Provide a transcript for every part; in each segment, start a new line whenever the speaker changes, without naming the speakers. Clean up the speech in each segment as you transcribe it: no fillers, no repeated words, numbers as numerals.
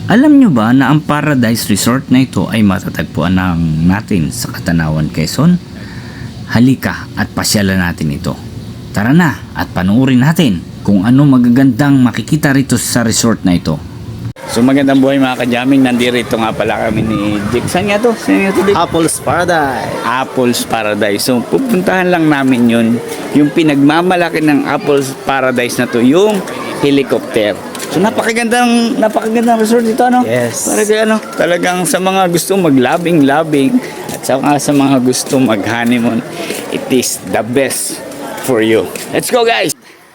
Alam nyo ba na ang Paradise Resort na ito ay matatagpuan natin sa Katanawan, Quezon? Halika at pasyalan natin ito. Tara na at panuorin natin kung ano magagandang makikita rito sa resort na ito. So magandang buhay mga kajaming, nandito nga pala kami ni Jake. Saan nga to? Saan nga to, Jake?
Apples Paradise.
Apples Paradise. So pupuntahan lang namin yun. Yung pinagmamalaki ng Apples Paradise na to, yung helicopter. So napakagandang resort dito, ano?
Yes.
Para kay ano, talagang sa mga gusto maglabing-labing at sa mga gusto mag-honeymoon, it is the best for you. Let's go, guys.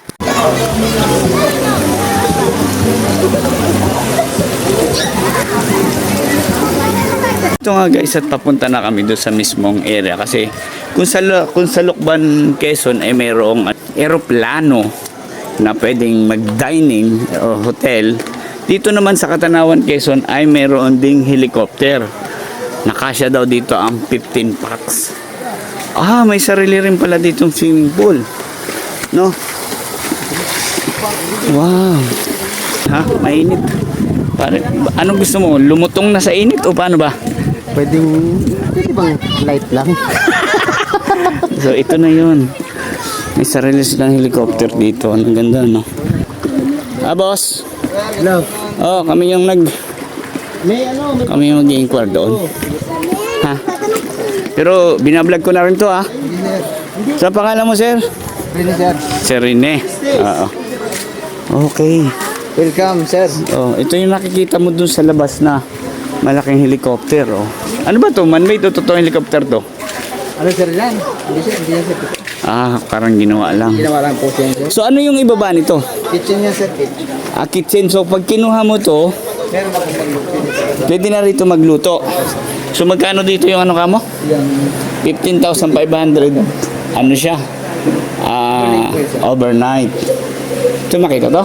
Ito nga guys, at papunta na kami doon sa mismong area kasi kung sa Lucban, Quezon ay mayroong eroplano na pwedeng mag-dining o hotel. Dito naman sa Katanawan, Quezon ay mayroon ding helicopter. Nakasya daw dito ang 15 packs. May sarili rin pala ditong swimming pool. No? Wow. Mainit. Anong gusto mo? Lumutong na sa init o paano ba?
Pwede bang light lang?
So ito na yun. May sarili silang helicopter dito. Ang ganda, no? Boss.
Hello.
Kami yung kami yung mag-i-inquire doon. Pero binablog ko na rin to, Sa pangalan mo, sir?
Rene, sir.
Sir Rene. Okay.
Welcome, sir.
Ito yung nakikita mo dun sa labas na malaking helicopter, Ano ba to? Man-made o totoong helicopter to?
Ano, sir, yan? Hindi, sir.
Parang ginawa lang.
Ginawa lang po siya, sir.
So ano yung ibaba nito?
Kitchen yan, sir. Kitchen.
Kitchen. So pag kinuha mo to,
Meron ako pag-luto.
pwede na rito magluto. So magkano dito yung ano kamo? 15,500. Ano siya? Overnight. Ito makita to?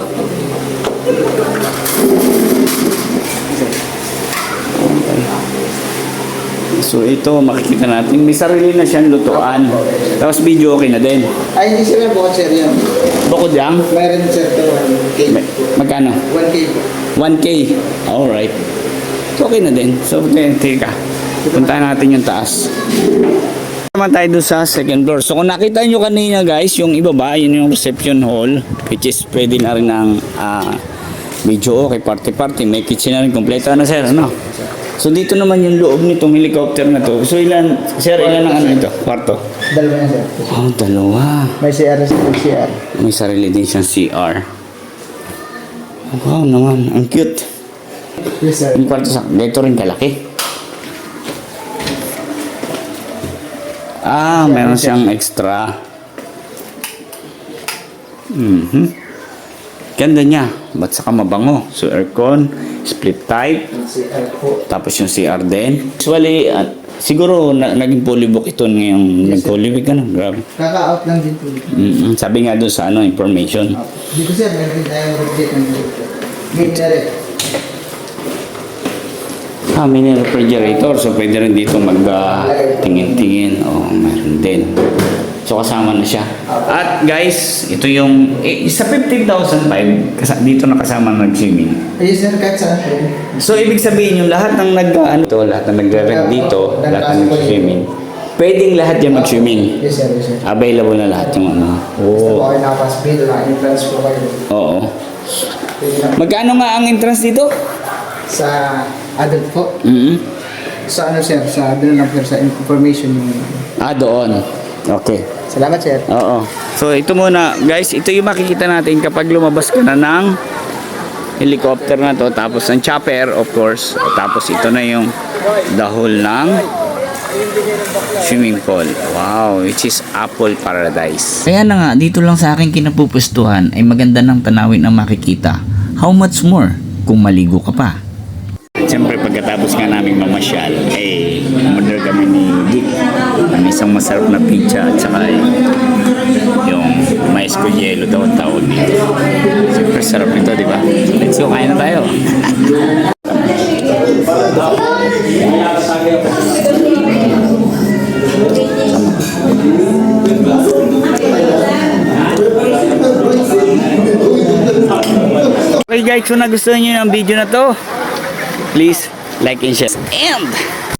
So ito makikita natin, may sarili na siyang lutuan. Tapos video okay na din.
Ay, hindi, sir. Bukod, sir, yan.
Bukod yan?
Meron, sir, ito 1K.
Magkano?
1K po.
1K. Alright. Okay na din. So teka, puntahan natin yung taas. Naman tayo doon sa second floor. So kung nakita nyo kanina guys, yung ibaba, yun yung reception hall, which is pwede na rin ng video okay, party. May kitchen na rin kompleto. Ano sir? Ano? So dito naman yung loob nitong helicopter na to. So ilan ang ano ito? Kwarto?
Dalawa na, sir.
Dalawa.
May CR, CR.
May sarili din siyang CR. Wow naman, ang cute.
Yes, sir.
Yung kwarto dito rin kalaki. Meron siyang extra. Ganda niya. Ba't saka mabango? So aircon, split type.
CR po.
Tapos yung CR din. Usually, siguro naging fully book ito ngayong nag-fully week. Grabe.
Kaka-out lang din po.
Sabi nga doon sa information.
Dito, sir, meron din tayong rotate ng dito. May
Mini refrigerator. So pwede rin dito mag-tingin-tingin. Meron din. So kasama na siya. At guys, ito yung sa 15,500 dito nakasama nag-swimming.
Yes, sir, kahit saan po.
So ibig sabihin yung lahat ng lahat ng nag-rent dito, lahat ng nag-swimming. Pwedeng lahat yan mag-swimming.
Yes, sir, yes, sir.
Available na lahat yung ano.
Basta po kayo nakapas-bill, entrance po kayo.
Oo.
Pwede na
Magkano nga ang entrance dito?
sa adult po. Sa ano, sir, sa adult lang, sir, sa information yung...
Doon. Okay.
Salamat, sir.
Oo. So ito muna, guys, ito yung makikita natin kapag lumabas ka na ng helicopter na to, tapos ng chopper, of course. Tapos ito na yung the whole ng swimming pool. Wow, which is Apple Paradise. Kaya na nga, dito lang sa aking kinapupustuhan ay maganda ng tanawin ang makikita. How much more kung maligo ka pa? Siyempre pagkatapos nga namin mamasyal, umorder kami ni Dick ng isang masarap na pizza at saka yung mais con yelo daw ang tawag dito. Siyempre sarap nito, di ba? So let's go, kain na tayo. Okay guys, kung nagustuhan nyo ng video na to, Please like and share. And